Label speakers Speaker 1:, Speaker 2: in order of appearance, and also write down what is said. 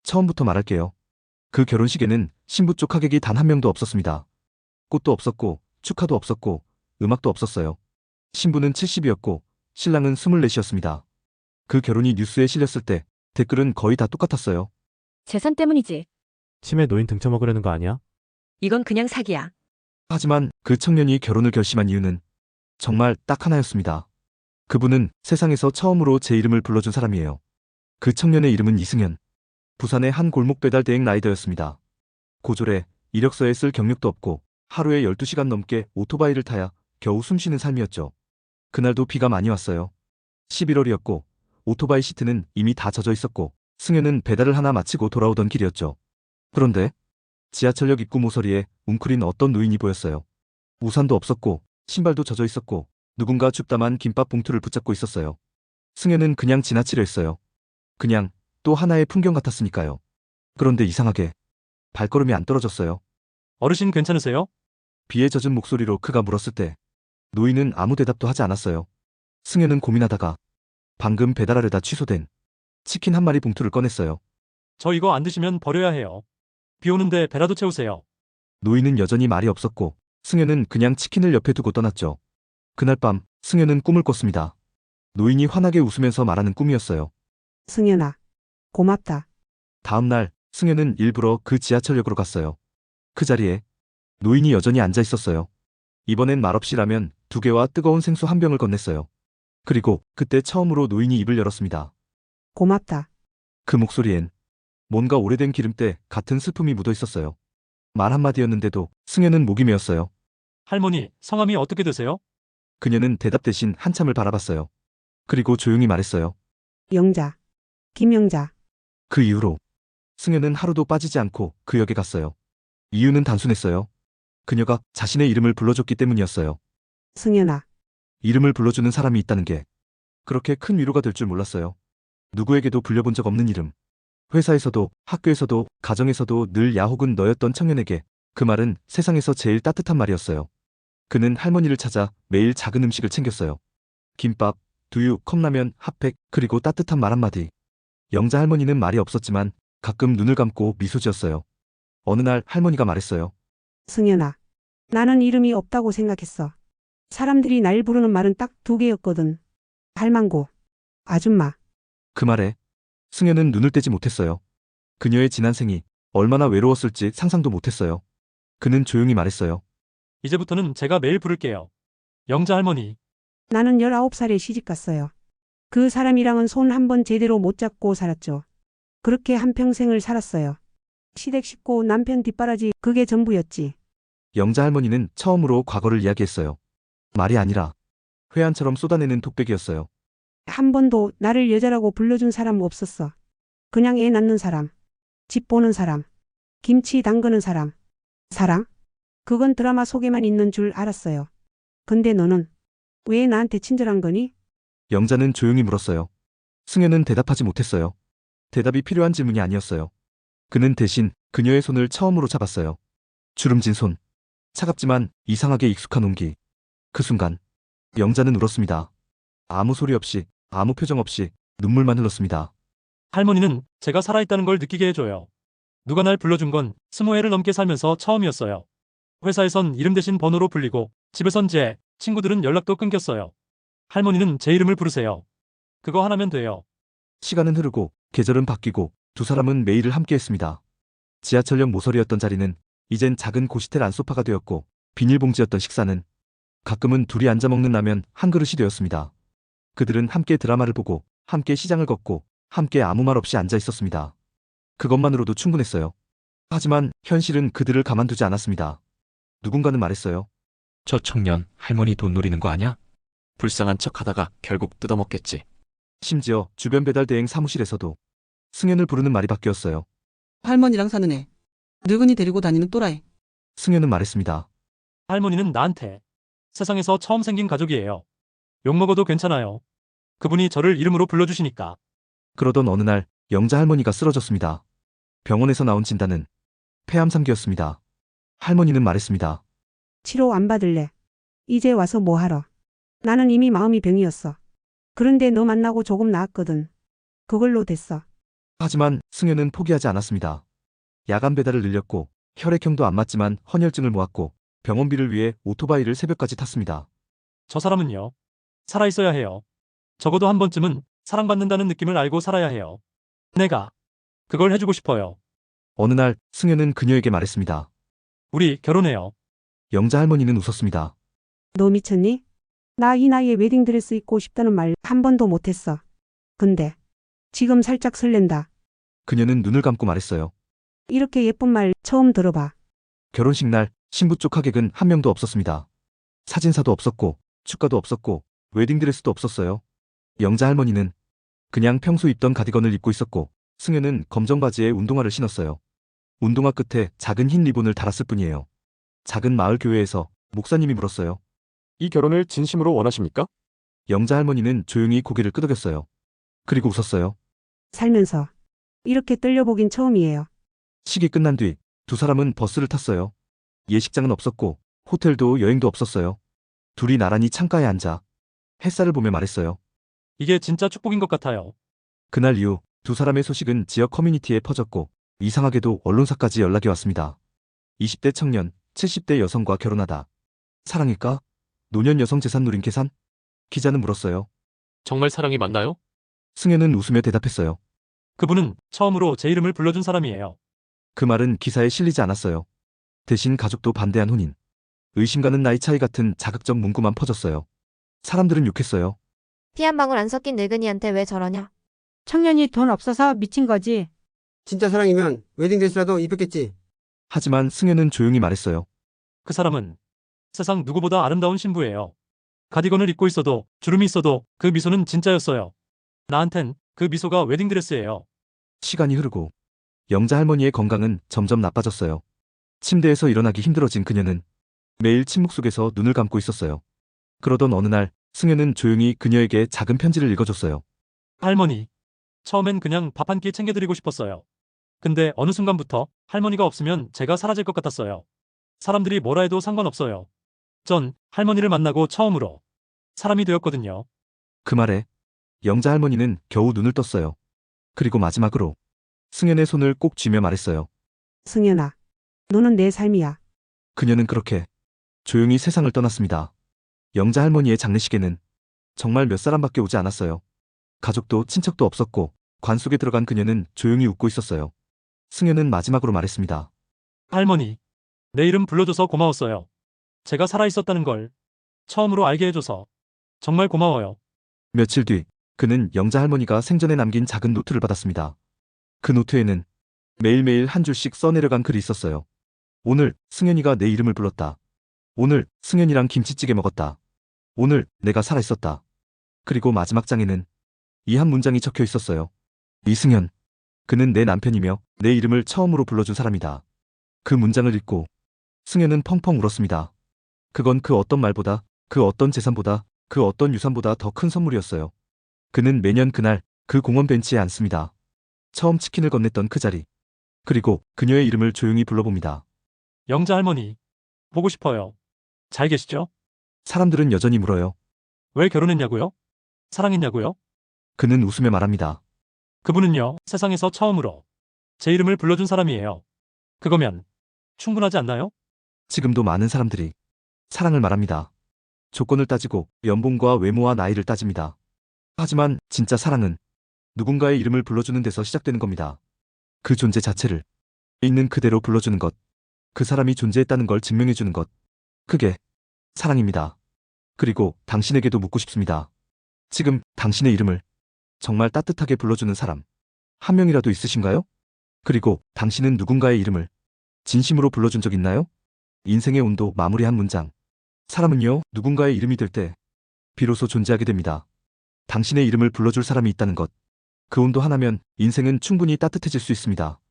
Speaker 1: 처음부터 말할게요. 그 결혼식에는 신부 쪽 하객이 단 한 명도 없었습니다. 꽃도 없었고, 축하도 없었고, 음악도 없었어요. 신부는 70이었고, 신랑은 24이었습니다. 그 결혼이 뉴스에 실렸을 때 댓글은 거의 다 똑같았어요.
Speaker 2: 재산 때문이지.
Speaker 3: 치매 노인 등쳐먹으려는 거 아니야?
Speaker 2: 이건 그냥 사기야.
Speaker 1: 하지만 그 청년이 결혼을 결심한 이유는 정말 딱 하나였습니다. 그분은 세상에서 처음으로 제 이름을 불러준 사람이에요. 그 청년의 이름은 이승현. 부산의 한 골목 배달 대행 라이더였습니다. 고졸에 이력서에 쓸 경력도 없고 하루에 12시간 넘게 오토바이를 타야 겨우 숨쉬는 삶이었죠. 그날도 비가 많이 왔어요. 11월이었고 오토바이 시트는 이미 다 젖어 있었고 승현은 배달을 하나 마치고 돌아오던 길이었죠. 그런데 지하철역 입구 모서리에 웅크린 어떤 노인이 보였어요. 우산도 없었고 신발도 젖어 있었고 누군가 줍담한 김밥 봉투를 붙잡고 있었어요. 승현은 그냥 지나치려 했어요. 그냥 또 하나의 풍경 같았으니까요. 그런데 이상하게 발걸음이 안 떨어졌어요.
Speaker 4: 어르신 괜찮으세요?
Speaker 1: 비에 젖은 목소리로 그가 물었을 때 노인은 아무 대답도 하지 않았어요. 승현은 고민하다가 방금 배달하려다 취소된 치킨 한 마리 봉투를 꺼냈어요.
Speaker 4: 저 이거 안 드시면 버려야 해요. 비 오는데 배라도 채우세요.
Speaker 1: 노인은 여전히 말이 없었고 승현은 그냥 치킨을 옆에 두고 떠났죠. 그날 밤 승현은 꿈을 꿨습니다. 노인이 환하게 웃으면서 말하는 꿈이었어요.
Speaker 5: 승현아, 고맙다.
Speaker 1: 다음 날 승현은 일부러 그 지하철역으로 갔어요. 그 자리에 노인이 여전히 앉아 있었어요. 이번엔 말없이 라면 2개와 뜨거운 생수 한 병을 건넸어요. 그리고 그때 처음으로 노인이 입을 열었습니다.
Speaker 5: 고맙다.
Speaker 1: 그 목소리엔 뭔가 오래된 기름때 같은 슬픔이 묻어 있었어요. 말 한마디였는데도 승현은 목이 메었어요.
Speaker 4: 할머니, 성함이 어떻게 되세요?
Speaker 1: 그녀는 대답 대신 한참을 바라봤어요. 그리고 조용히 말했어요.
Speaker 5: 영자. 김영자.
Speaker 1: 그 이후로 승현은 하루도 빠지지 않고 그 역에 갔어요. 이유는 단순했어요. 그녀가 자신의 이름을 불러줬기 때문이었어요.
Speaker 5: 승현아.
Speaker 1: 이름을 불러주는 사람이 있다는 게 그렇게 큰 위로가 될 줄 몰랐어요. 누구에게도 불려본 적 없는 이름. 회사에서도 학교에서도 가정에서도 늘 야 혹은 너였던 청년에게 그 말은 세상에서 제일 따뜻한 말이었어요. 그는 할머니를 찾아 매일 작은 음식을 챙겼어요. 김밥, 두유, 컵라면, 핫팩, 그리고 따뜻한 말 한마디. 영자 할머니는 말이 없었지만 가끔 눈을 감고 미소 지었어요. 어느 날 할머니가 말했어요.
Speaker 5: 승현아. 나는 이름이 없다고 생각했어. 사람들이 날 부르는 말은 딱 2개였거든. 할망구. 아줌마.
Speaker 1: 그 말에 승현은 눈을 떼지 못했어요. 그녀의 지난 생이 얼마나 외로웠을지 상상도 못했어요. 그는 조용히 말했어요.
Speaker 4: 이제부터는 제가 매일 부를게요. 영자 할머니.
Speaker 5: 나는 19살에 시집갔어요. 그 사람이랑은 손 한 번 제대로 못 잡고 살았죠. 그렇게 한평생을 살았어요. 시댁 식구, 남편 뒷바라지, 그게 전부였지.
Speaker 1: 영자 할머니는 처음으로 과거를 이야기했어요. 말이 아니라 회한처럼 쏟아내는 톡백이었어요.
Speaker 5: 한 번도 나를 여자라고 불러준 사람 없었어. 그냥 애 낳는 사람, 집 보는 사람, 김치 담그는 사람. 사랑? 그건 드라마 속에만 있는 줄 알았어요. 근데 너는 왜 나한테 친절한 거니?
Speaker 1: 영자는 조용히 물었어요. 승현은 대답하지 못했어요. 대답이 필요한 질문이 아니었어요. 그는 대신 그녀의 손을 처음으로 잡았어요. 주름진 손. 차갑지만 이상하게 익숙한 온기. 그 순간 영자는 울었습니다. 아무 소리 없이, 아무 표정 없이 눈물만 흘렀습니다.
Speaker 4: 할머니는 제가 살아있다는 걸 느끼게 해줘요. 누가 날 불러준 건 20회를 넘게 살면서 처음이었어요. 회사에선 이름 대신 번호로 불리고 집에선 제 친구들은 연락도 끊겼어요. 할머니는 제 이름을 부르세요. 그거 하나면 돼요.
Speaker 1: 시간은 흐르고 계절은 바뀌고 두 사람은 매일을 함께했습니다. 지하철역 모서리였던 자리는 이젠 작은 고시텔 안소파가 되었고 비닐봉지였던 식사는 가끔은 둘이 앉아 먹는 라면 한 그릇이 되었습니다. 그들은 함께 드라마를 보고 함께 시장을 걷고 함께 아무 말 없이 앉아 있었습니다. 그것만으로도 충분했어요. 하지만 현실은 그들을 가만두지 않았습니다. 누군가는 말했어요.
Speaker 6: 저 청년 할머니 돈 노리는 거 아냐? 불쌍한 척 하다가 결국 뜯어먹겠지.
Speaker 1: 심지어 주변 배달 대행 사무실에서도 승현을 부르는 말이 바뀌었어요.
Speaker 7: 할머니랑 사는 애. 늙은이 데리고 다니는 또라이.
Speaker 1: 승현은 말했습니다.
Speaker 4: 할머니는 나한테 세상에서 처음 생긴 가족이에요. 욕먹어도 괜찮아요. 그분이 저를 이름으로 불러주시니까.
Speaker 1: 그러던 어느 날 영자 할머니가 쓰러졌습니다. 병원에서 나온 진단은 폐암 3기였습니다. 할머니는 말했습니다.
Speaker 5: 치료 안 받을래. 이제 와서 뭐 하러. 나는 이미 마음이 병이었어. 그런데 너 만나고 조금 나았거든. 그걸로 됐어.
Speaker 1: 하지만 승현은 포기하지 않았습니다. 야간 배달을 늘렸고 혈액형도 안 맞지만 헌혈증을 모았고 병원비를 위해 오토바이를 새벽까지 탔습니다.
Speaker 4: 저 사람은요. 살아있어야 해요. 적어도 한 번쯤은 사랑받는다는 느낌을 알고 살아야 해요. 내가 그걸 해주고 싶어요.
Speaker 1: 어느 날 승현은 그녀에게 말했습니다.
Speaker 4: 우리 결혼해요.
Speaker 1: 영자 할머니는 웃었습니다.
Speaker 5: 너 미쳤니? 나 이 나이에 웨딩드레스 입고 싶다는 말 한 번도 못했어. 근데 지금 살짝 설렌다.
Speaker 1: 그녀는 눈을 감고 말했어요.
Speaker 5: 이렇게 예쁜 말 처음 들어봐.
Speaker 1: 결혼식 날 신부 쪽 하객은 한 명도 없었습니다. 사진사도 없었고 축가도 없었고 웨딩드레스도 없었어요. 영자 할머니는 그냥 평소 입던 가디건을 입고 있었고 승현은 검정 바지에 운동화를 신었어요. 운동화 끝에 작은 흰 리본을 달았을 뿐이에요. 작은 마을 교회에서 목사님이 물었어요.
Speaker 8: 이 결혼을 진심으로 원하십니까?
Speaker 1: 영자 할머니는 조용히 고개를 끄덕였어요. 그리고 웃었어요.
Speaker 5: 살면서 이렇게 떨려보긴 처음이에요.
Speaker 1: 식이 끝난 뒤 두 사람은 버스를 탔어요. 예식장은 없었고 호텔도 여행도 없었어요. 둘이 나란히 창가에 앉아 햇살을 보며 말했어요.
Speaker 4: 이게 진짜 축복인 것 같아요.
Speaker 1: 그날 이후 두 사람의 소식은 지역 커뮤니티에 퍼졌고 이상하게도 언론사까지 연락이 왔습니다. 20대 청년, 70대 여성과 결혼하다. 사랑일까? 노년 여성 재산 누린 계산? 기자는 물었어요.
Speaker 6: 정말 사랑이 맞나요?
Speaker 1: 승현은 웃으며 대답했어요.
Speaker 4: 그분은 처음으로 제 이름을 불러준 사람이에요.
Speaker 1: 그 말은 기사에 실리지 않았어요. 대신 가족도 반대한 혼인. 의심 가는 나이 차이 같은 자극적 문구만 퍼졌어요. 사람들은 욕했어요.
Speaker 9: 피 한 방울 안 섞인 늙은이한테 왜 저러냐?
Speaker 10: 청년이 돈 없어서 미친 거지.
Speaker 11: 진짜 사랑이면 웨딩드레스라도 입혔겠지.
Speaker 1: 하지만 승현은 조용히 말했어요.
Speaker 4: 그 사람은 세상 누구보다 아름다운 신부예요. 가디건을 입고 있어도 주름이 있어도 그 미소는 진짜였어요. 나한텐 그 미소가 웨딩드레스예요.
Speaker 1: 시간이 흐르고 영자 할머니의 건강은 점점 나빠졌어요. 침대에서 일어나기 힘들어진 그녀는 매일 침묵 속에서 눈을 감고 있었어요. 그러던 어느 날 승현은 조용히 그녀에게 작은 편지를 읽어줬어요.
Speaker 4: 할머니. 처음엔 그냥 밥 한 끼 챙겨드리고 싶었어요. 근데 어느 순간부터 할머니가 없으면 제가 사라질 것 같았어요. 사람들이 뭐라 해도 상관없어요. 전 할머니를 만나고 처음으로 사람이 되었거든요.
Speaker 1: 그 말에 영자 할머니는 겨우 눈을 떴어요. 그리고 마지막으로 승현의 손을 꼭 쥐며 말했어요.
Speaker 5: 승현아, 너는 내 삶이야.
Speaker 1: 그녀는 그렇게 조용히 세상을 떠났습니다. 영자 할머니의 장례식에는 정말 몇 사람밖에 오지 않았어요. 가족도 친척도 없었고 관 속에 들어간 그녀는 조용히 웃고 있었어요. 승현은 마지막으로 말했습니다.
Speaker 4: 할머니. 내 이름 불러줘서 고마웠어요. 제가 살아있었다는 걸 처음으로 알게 해줘서 정말 고마워요.
Speaker 1: 며칠 뒤 그는 영자 할머니가 생전에 남긴 작은 노트를 받았습니다. 그 노트에는 매일매일 한 줄씩 써내려간 글이 있었어요. 오늘 승현이가 내 이름을 불렀다. 오늘 승현이랑 김치찌개 먹었다. 오늘 내가 살아있었다. 그리고 마지막 장에는 이 한 문장이 적혀 있었어요. 이승현. 그는 내 남편이며 내 이름을 처음으로 불러준 사람이다. 그 문장을 읽고 승현은 펑펑 울었습니다. 그건 그 어떤 말보다, 그 어떤 재산보다, 그 어떤 유산보다 더 큰 선물이었어요. 그는 매년 그날 그 공원 벤치에 앉습니다. 처음 치킨을 건넸던 그 자리. 그리고 그녀의 이름을 조용히 불러봅니다.
Speaker 4: 영자 할머니. 보고 싶어요. 잘 계시죠?
Speaker 1: 사람들은 여전히 물어요.
Speaker 4: 왜 결혼했냐고요? 사랑했냐고요?
Speaker 1: 그는 웃으며 말합니다.
Speaker 4: 그분은요, 세상에서 처음으로 제 이름을 불러준 사람이에요. 그거면 충분하지 않나요?
Speaker 1: 지금도 많은 사람들이 사랑을 말합니다. 조건을 따지고 연봉과 외모와 나이를 따집니다. 하지만 진짜 사랑은 누군가의 이름을 불러주는 데서 시작되는 겁니다. 그 존재 자체를 있는 그대로 불러주는 것, 그 사람이 존재했다는 걸 증명해주는 것, 그게 사랑입니다. 그리고 당신에게도 묻고 싶습니다. 지금 당신의 이름을 정말 따뜻하게 불러주는 사람 한 명이라도 있으신가요? 그리고 당신은 누군가의 이름을 진심으로 불러준 적 있나요? 인생의 온도 마무리 한 문장. 사람은요, 누군가의 이름이 될 때 비로소 존재하게 됩니다. 당신의 이름을 불러줄 사람이 있다는 것. 그 온도 하나면 인생은 충분히 따뜻해질 수 있습니다.